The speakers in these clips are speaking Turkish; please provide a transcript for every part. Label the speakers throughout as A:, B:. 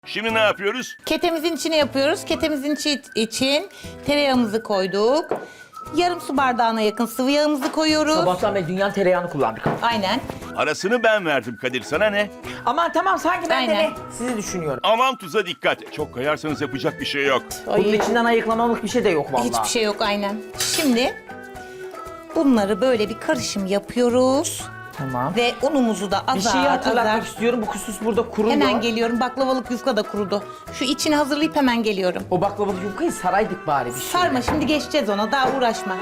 A: Şimdi ne yapıyoruz?
B: Ketemizin içine yapıyoruz. Ketemizin için tereyağımızı koyduk. Yarım su bardağına yakın sıvı yağımızı koyuyoruz.
C: Sabahtan beri dünyanın tereyağını kullandık.
B: Aynen.
A: Arasını ben verdim Kadir, sana ne?
C: Aman tamam sanki ben de
B: Aynen.
C: ne? Sizi düşünüyorum.
A: Aman tuza dikkat. Çok kayarsanız yapacak bir şey yok.
C: Bunun içinden ayıklamamlık bir şey de yok vallahi.
B: Hiçbir şey yok aynen. Şimdi bunları böyle bir karışım yapıyoruz.
C: Tamam.
B: Ve unumuzu da
C: Bir
B: azar
C: şeyi hatırlatmak
B: azar.
C: istiyorum. Bu kuskus burada kuruyor.
B: Hemen geliyorum. Baklavalık yufka da kurudu. Şu içini hazırlayıp hemen geliyorum.
C: O baklavalı yufkayı saraydık bari bir şey.
B: Sarma, şimdi geçeceğiz ona. Daha uğraşma.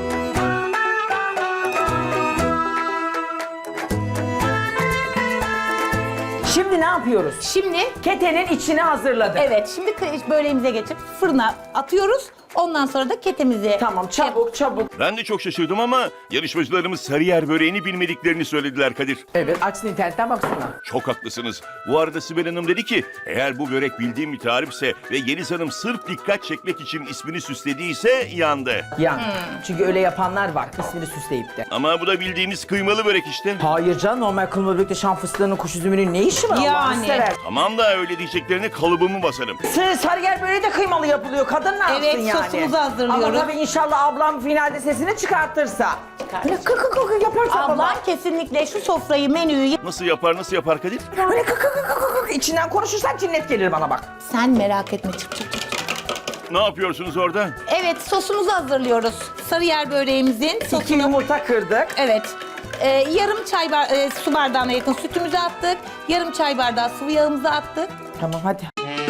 C: Şimdi ne yapıyoruz?
B: Şimdi
C: Ketenin içini hazırladık.
B: evet, şimdi böreğimize geçip fırına atıyoruz. Ondan sonra da ketemizi...
C: Tamam çabuk çabuk.
A: Ben de çok şaşırdım ama yarışmacılarımız Sarıyer böreğini bilmediklerini söylediler Kadir.
C: Evet açsın internetten baksana.
A: Çok haklısınız. Bu arada Sibel Hanım dedi ki eğer bu börek bildiğim bir tarifse ve Yeliz Hanım sırf dikkat çekmek için ismini süslediyse yandı.
C: Yani. Çünkü öyle yapanlar var ismini süsleyip de.
A: Ama bu da bildiğimiz kıymalı börek işte.
C: Hayır canım normal kılma börekte şan fıstığının kuş üzümünün ne işi var
B: Yani.
C: Allah'ını sever.
A: Tamam da öyle diyeceklerine kalıbımı basarım.
C: Sarıyer böreği de kıymalı yapılıyor. Kadın ne yapsın
B: Evet,
C: yani?
B: sosumuzu hazırlıyoruz.
C: Ama tabii inşallah ablam finalde sesini çıkartırsa. Böyle kık kık kık yaparsa
B: Ablam
C: baba.
B: kesinlikle şu sofrayı, menüyü...
A: Nasıl yapar Kadir?
C: Böyle kık kık kık kık kık içinden konuşursan cinnet gelir bana bak.
B: Sen merak etme, çık çık çık.
A: Ne yapıyorsunuz orada?
B: Evet, sosumuzu hazırlıyoruz. Sarıyer böreğimizin
C: 2
B: sosunu...
C: yumurta kırdık.
B: Evet. Yarım su bardağına yakın sütümüzü attık. Yarım çay bardağı sıvı yağımızı attık.
C: Tamam hadi.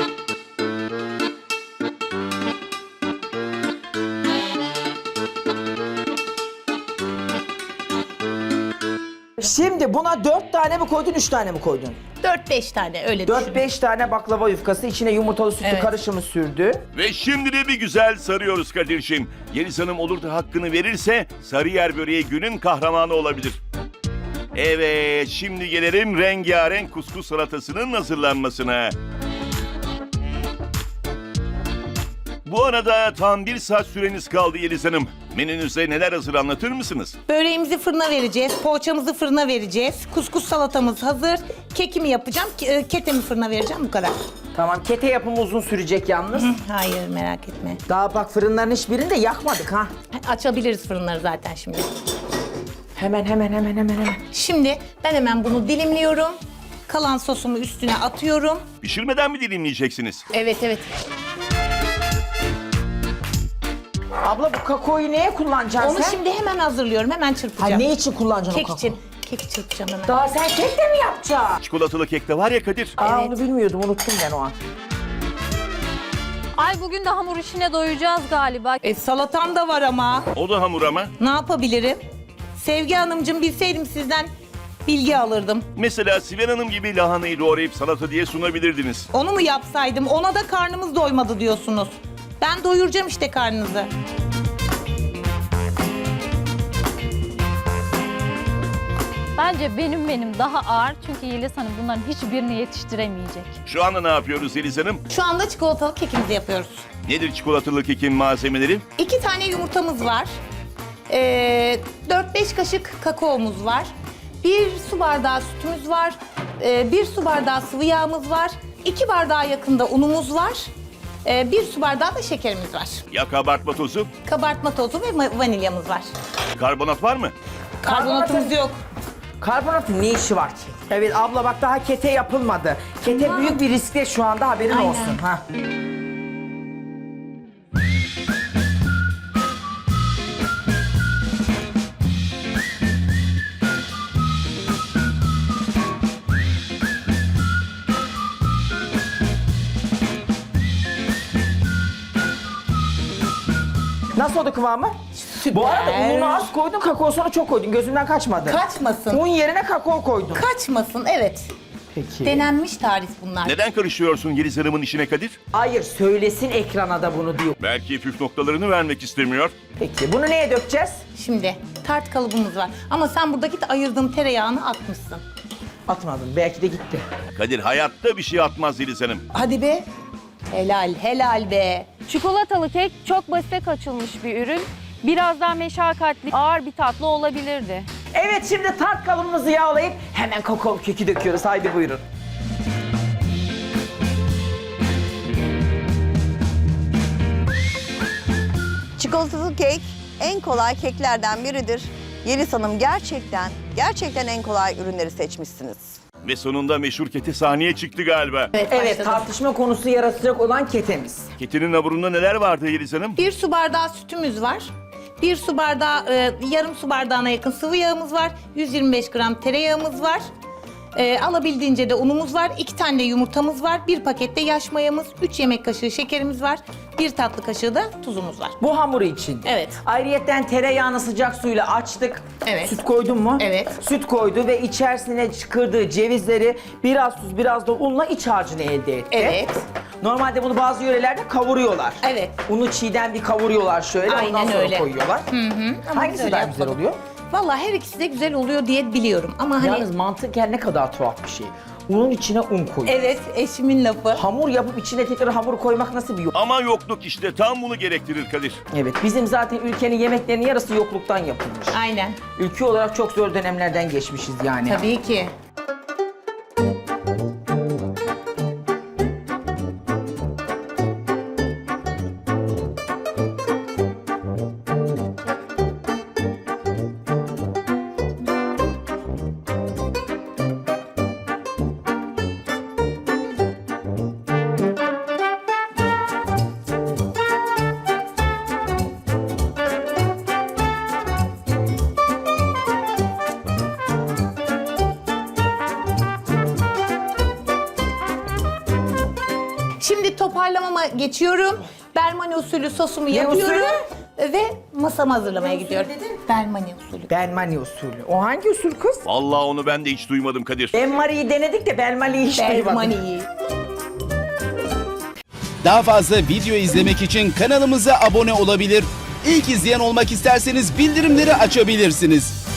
C: Şimdi buna 4 tane mi koydun, 3 tane mi koydun?
B: 4-5 tane öyle düşün.
C: 4-5 tane baklava yufkası, içine yumurtalı sütlü
B: Evet.
C: karışımı sürdü.
A: Ve şimdi de bir güzel sarıyoruz Kadir'ciğim. Yeliz Hanım olur da hakkını verirse Sarıyer böreği günün kahramanı olabilir. Evet, şimdi gelelim rengarenk kuskus salatasının hazırlanmasına. Bu arada tam 1 saat süreniz kaldı Yeliz Hanım. Menünüzde neler hazır anlatır mısınız?
B: Böreğimizi fırına vereceğiz, poğaçamızı fırına vereceğiz. Kuskus salatamız hazır. Kekimi yapacağım, ketemi fırına vereceğim, bu kadar.
C: Tamam, kete yapımı uzun sürecek yalnız.
B: Hayır, merak etme.
C: Daha bak fırınların hiçbirini de yakmadık ha.
B: Açabiliriz fırınları zaten şimdi.
C: Hemen.
B: Şimdi ben hemen bunu dilimliyorum. Kalan sosumu üstüne atıyorum.
A: Pişirmeden mi dilimleyeceksiniz?
B: Evet.
C: Abla bu kakaoyu neye kullanacaksın
B: Onu
C: sen?
B: şimdi hemen hazırlıyorum, hemen çırpacağım.
C: Ha, ne için kullanacaksın
B: Kek
C: o kakaoyu?
B: için. Kek çırpacağım hemen.
C: Daha sen kek de mi yapacaksın?
A: Çikolatalı kek de var ya Kadir.
C: Aa
B: Evet.
C: onu bilmiyordum, unuttum ben o an.
D: Ay bugün de hamur işine doyacağız galiba.
B: Salatam da var ama.
A: O da hamur ama.
B: Ne yapabilirim? Sevgi Hanımcığım, bilseydim sizden bilgi alırdım.
A: Mesela Sibel Hanım gibi lahanayı doğrayıp salata diye sunabilirdiniz.
B: Onu mu yapsaydım? Ona da karnımız doymadı diyorsunuz. Ben doyuracağım işte karnınızı.
D: Bence benim daha ağır çünkü Yeliz Hanım bunların hiçbirini yetiştiremeyecek.
A: Şu anda ne yapıyoruz Yeliz Hanım?
B: Şu anda çikolatalı kekimizi yapıyoruz.
A: Nedir çikolatalı kekin malzemeleri?
B: 2 tane yumurtamız var. 4-5 kaşık kakaomuz var. 1 su bardağı sütümüz var. 1 su bardağı sıvı yağımız var. 2 bardağa yakında unumuz var. 1 su bardağı da şekerimiz var.
A: Ya kabartma tozu?
B: Kabartma tozu ve vanilyamız var.
A: Karbonat var mı?
B: Karbonatımız yok.
C: Karbonatın ne işi var ki? Evet abla bak daha kete yapılmadı. Kete büyük bir riskte şu anda, haberin
B: Aynen.
C: olsun. Ha. Nasıl oldu kıvamı?
B: Süper.
C: Bu arada ununu az koydun, kakaosunu çok koydun. Gözümden kaçmadı.
B: Kaçmasın.
C: Un yerine kakao koydun.
B: Kaçmasın, evet.
C: Peki.
B: Denenmiş tarif bunlar.
A: Neden karışıyorsun Yeliz Hanım'ın işine Kadir?
C: Hayır, söylesin ekrana da bunu diyor.
A: Belki püf noktalarını vermek istemiyor.
C: Peki, bunu neye dökeceğiz?
B: Şimdi tart kalıbımız var. Ama sen buradaki de ayırdığım tereyağını atmışsın.
C: Atmadım, belki de gitti.
A: Kadir hayatta bir şey atmaz Yeliz Hanım.
B: Hadi be. Helal be.
D: Çikolatalı kek çok basite kaçılmış bir ürün. Biraz daha meşakkatli, ağır bir tatlı olabilirdi.
C: Evet, şimdi tart kalıbımızı yağlayıp hemen kakao keki döküyoruz. Haydi buyurun.
E: Çikolatalı kek en kolay keklerden biridir. Yeliz Hanım gerçekten en kolay ürünleri seçmişsiniz.
A: Ve sonunda meşhur kete sahneye çıktı galiba.
C: Evet,
B: başladım.
C: tartışma konusu yaratacak olan ketemiz.
A: Ketenin hamurunda neler vardı Yeliz Hanım?
B: 1 su bardağı sütümüz var. 1 su bardağı, yarım su bardağına yakın sıvı yağımız var. 125 gram tereyağımız var. Alabildiğince de unumuz var. 2 tane de yumurtamız var. 1 pakette yaş mayamız, 3 yemek kaşığı şekerimiz var. 1 tatlı kaşığı da tuzumuz var.
C: Bu hamuru için.
B: Evet.
C: Ayrıyetten tereyağını sıcak suyla açtık.
B: Evet.
C: Süt koydun mu?
B: Evet.
C: Süt koydu ve içerisine çıkardığı cevizleri biraz tuz biraz da unla iç harcını elde etti.
B: Evet.
C: Normalde bunu bazı yörelerde kavuruyorlar.
B: Evet.
C: Unu çiğden bir kavuruyorlar şöyle ondan
B: Aynen
C: sonra
B: öyle.
C: koyuyorlar.
B: Ama
C: Hangisi
B: biz öyle
C: daha güzel
B: yapmadık.
C: oluyor?
B: Vallahi her ikisi de güzel oluyor diye biliyorum. Ama hani
C: Yalnız mantıken ne kadar tuhaf bir şey. Unun içine un koyuyor.
B: evet, eşimin lafı.
C: Hamur yapıp içine tekrar hamur koymak nasıl bir yok?
A: Ama yokluk işte tam bunu gerektirir Kadir.
C: Evet, bizim zaten ülkenin yemeklerinin yarısı yokluktan yapılmış.
B: Aynen.
C: Ülke olarak çok zor dönemlerden geçmişiz yani.
B: Tabii ki. Şimdi toparlamama geçiyorum. Bermani usulü sosumu yapıyorum. Ve masamı hazırlamaya gidiyorum. Bermani usulü.
C: Benmani usulü. O hangi usul kız?
A: Vallahi onu ben de hiç duymadım Kadir.
C: Benmari'yi denedik de Benmari'yi hiç duymadım.
B: Bermani.
F: Daha fazla video izlemek için kanalımıza abone olabilir. İlk izleyen olmak isterseniz bildirimleri açabilirsiniz.